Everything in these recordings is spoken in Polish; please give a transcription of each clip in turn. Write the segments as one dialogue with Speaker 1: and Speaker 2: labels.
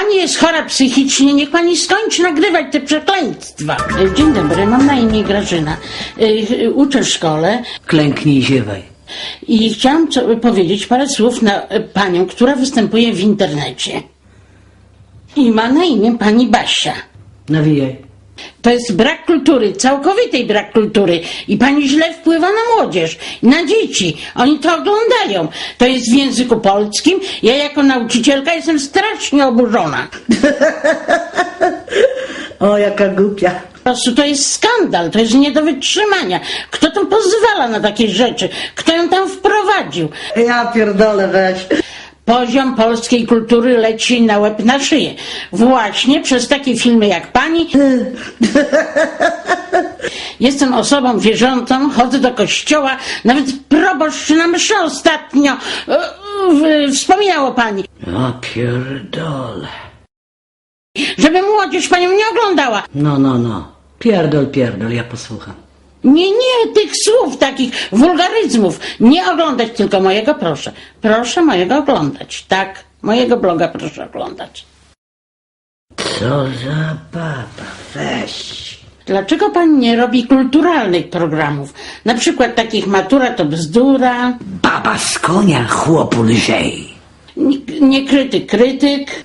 Speaker 1: pani jest chora psychicznie, niech pani skończy nagrywać te przekleństwa. Dzień dobry, mam na imię Grażyna. Uczę w szkole.
Speaker 2: Klęknij i ziewaj.
Speaker 1: I chciałam powiedzieć parę słów na panią, która występuje w internecie. I ma na imię pani Basia.
Speaker 2: Nawijaj.
Speaker 1: To jest brak kultury, całkowitej brak kultury. I pani źle wpływa na młodzież, na dzieci. Oni to oglądają. To jest w języku polskim. Ja jako nauczycielka jestem strasznie oburzona.
Speaker 2: O, jaka głupia.
Speaker 1: Po prostu to jest skandal, to jest nie do wytrzymania. Kto tam pozwala na takie rzeczy? Kto ją tam wprowadził?
Speaker 2: Ja pierdolę, weź.
Speaker 1: Poziom polskiej kultury leci na łeb na szyję. Właśnie przez takie filmy jak pani. Jestem osobą wierzącą, chodzę do kościoła, nawet proboszcz na mszy ostatnio wspominał o pani.
Speaker 2: Ja pierdolę.
Speaker 1: Żeby młodzież panią nie oglądała.
Speaker 2: No. Pierdol, ja posłucham.
Speaker 1: Nie tych słów, takich wulgaryzmów. Nie oglądać tylko mojego, proszę. Proszę mojego oglądać. Tak, mojego bloga proszę oglądać.
Speaker 2: Co za baba, weź.
Speaker 1: Dlaczego pani nie robi kulturalnych programów? Na przykład takich Matura to bzdura.
Speaker 2: Baba z konia, chłopu lżej.
Speaker 1: Nie krytyk.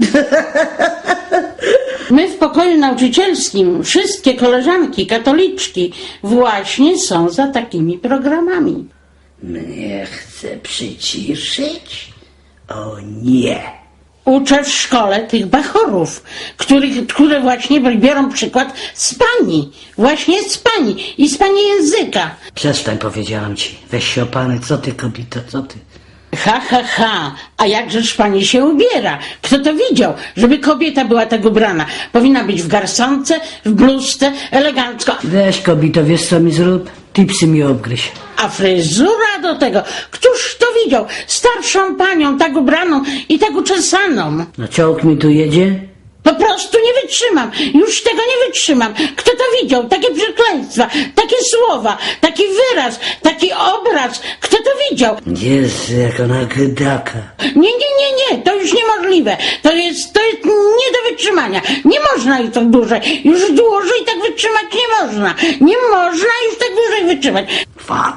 Speaker 1: My w pokoju nauczycielskim, wszystkie koleżanki, katoliczki właśnie są za takimi programami.
Speaker 2: Mnie chce przyciszyć? O nie.
Speaker 1: Uczę w szkole tych bachorów, które właśnie biorą przykład z pani. Właśnie z pani i z pani języka.
Speaker 2: Przestań, powiedziałam ci. Weź się opany, co ty, kobito, co ty?
Speaker 1: Ha, a jakżeż pani się ubiera? Kto to widział, żeby kobieta była tak ubrana? Powinna być w garsonce, w bluzce, elegancko.
Speaker 2: Weź, kobito, wiesz co mi zrób? Tipsy mi obgryź.
Speaker 1: A fryzura do tego, któż to widział? Starszą panią, tak ubraną i tak uczesaną.
Speaker 2: No czołg mi tu jedzie?
Speaker 1: Po prostu nie wytrzymam. Już tego nie wytrzymam. Kto to widział? Takie przekleństwa, takie słowa, taki wyraz, taki obraz. Kto to widział?
Speaker 2: Jezu, jak ona gdaka.
Speaker 1: Nie. To już niemożliwe. To jest nie do wytrzymania. Nie można już tak dłużej. Już dłużej tak wytrzymać nie można. Nie można już tak dłużej wytrzymać.
Speaker 2: Kwa.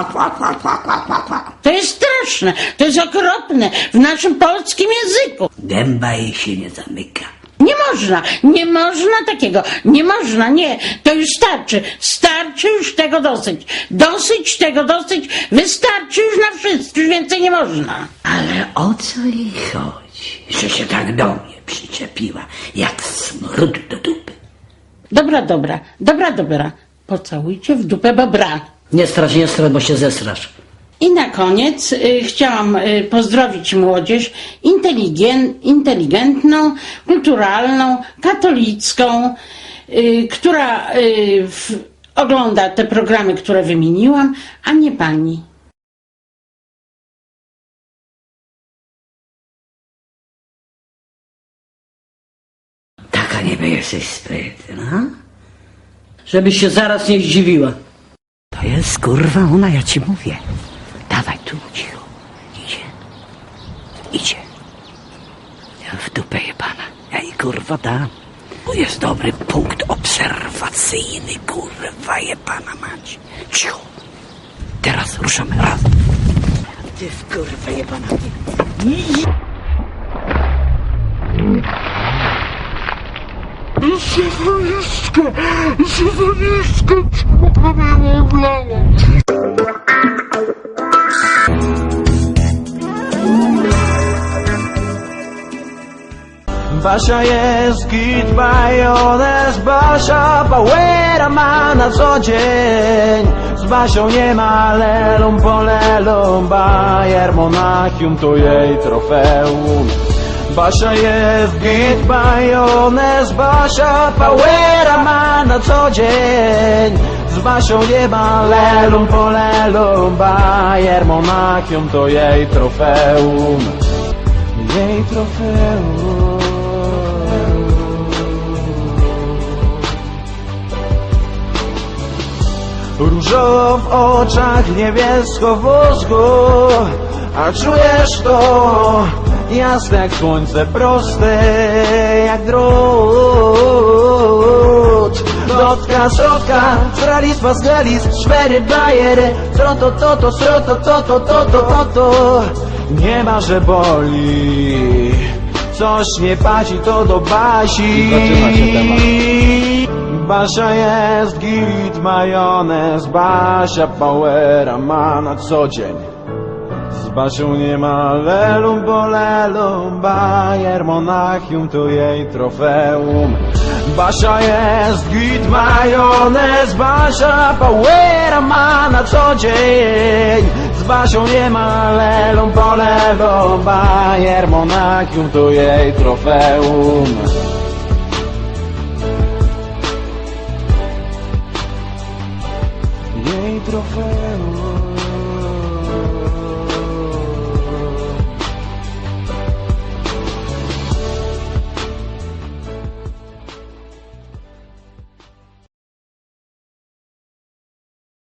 Speaker 1: To jest straszne. To jest okropne w naszym polskim języku.
Speaker 2: Gęba jej się nie zamyka.
Speaker 1: Nie można takiego, nie, to już starczy już tego dosyć, wystarczy już na wszystko, już więcej nie można.
Speaker 2: Ale o co jej chodzi, że się tak do mnie przyczepiła, jak smród do dupy?
Speaker 1: Dobra, pocałujcie w dupę bobra.
Speaker 2: Nie strasz, bo się zesrasz.
Speaker 1: I na koniec chciałam pozdrowić młodzież inteligentną, kulturalną, katolicką, która ogląda te programy, które wymieniłam, a nie pani.
Speaker 2: Taka niby jesteś sprytna, żebyś się zaraz nie zdziwiła. To jest kurwa ona, ja ci mówię. Dawaj tu, cicho. Idzie. Ja w dupę jebana. Ja jej kurwa dam. To jest dobry punkt obserwacyjny, kurwa jebana mać. Cicho. Teraz ruszamy raz. Ty w kurwa jebana.
Speaker 3: Szowaniszka, czemu mnie oblała?
Speaker 4: Basia jest git, majonez, Basia Bauera ma na co dzień. Z Basią nie ma lelum polelum, Bayern Monachium to jej trofeum. Basia jest git, majonez, Basia Bauera ma na co dzień. Z Basią nie ma lelum polelum, Bayern Monachium to jej trofeum. Jej trofeum. Różowo w oczach, niebiesko w mózgu, a czujesz to, jasne jak słońce, proste jak drut. Dotka, środka, stralis, pasgalis, szwery, bajery, sroto, sroto. Nie ma, że boli, coś nie pasi, to do Basi. Basia jest git, majonez, Basia powera ma na co dzień. Z Basią nie ma lelum bolelum, Bayer Monachium to jej trofeum. Basia jest git, majonez, Basia powera ma na co dzień. Z Basią nie ma lelum bolelum, Bayer Monachium to jej trofeum. Jej trofeum.